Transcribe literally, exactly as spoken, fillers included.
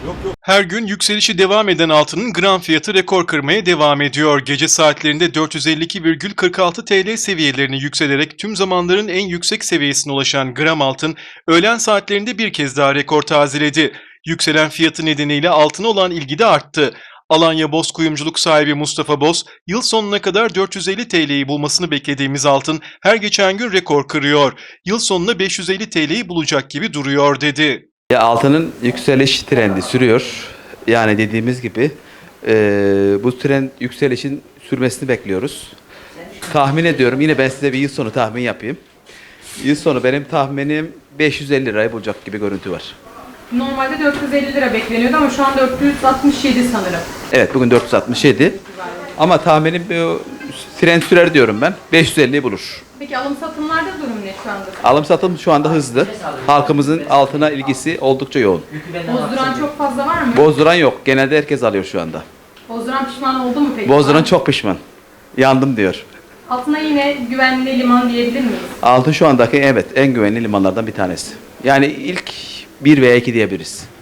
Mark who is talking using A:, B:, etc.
A: Her gün yükselişi devam eden altının gram fiyatı rekor kırmaya devam ediyor. Gece saatlerinde dört yüz elli iki virgül kırk altı T L seviyelerini yükselerek tüm zamanların en yüksek seviyesine ulaşan gram altın, öğlen saatlerinde bir kez daha rekor tazeledi. Yükselen fiyatı nedeniyle altına olan ilgi de arttı. Alanya Boz Kuyumculuk sahibi Mustafa Boz, yıl sonuna kadar dört yüz elli T L'yi bulmasını beklediğimiz altın her geçen gün rekor kırıyor. Yıl sonuna beş yüz elli T L'yi bulacak gibi duruyor dedi.
B: Ya altının yükseliş trendi sürüyor. Yani dediğimiz gibi e, bu trend yükselişin sürmesini bekliyoruz. Tahmin ediyorum. Yine ben size bir yıl sonu tahmin yapayım. Yıl sonu benim tahminim beş yüz elli lirayı bulacak gibi görüntü var.
C: Normalde dört yüz elli lira bekleniyordu ama şu an dört yüz altmış yedi sanırım.
B: Evet, bugün dört yüz altmış yedi. Ama tahminim bu trend sürer diyorum ben. beş yüz elliyi bulur.
C: Peki alım satımlarda durum ne şu anda?
B: Alım satım şu anda hızlı. Halkımızın altına ilgisi oldukça yoğun.
C: Bozduran çok fazla var mı?
B: Bozduran yok. Genelde herkes alıyor şu anda.
C: Bozduran pişman oldu mu peki?
B: Bozduran çok pişman. Yandım diyor.
C: Altına yine güvenli liman diyebilir miyiz?
B: Altın şu andaki evet en güvenli limanlardan bir tanesi. Yani ilk bir veya iki diyebiliriz.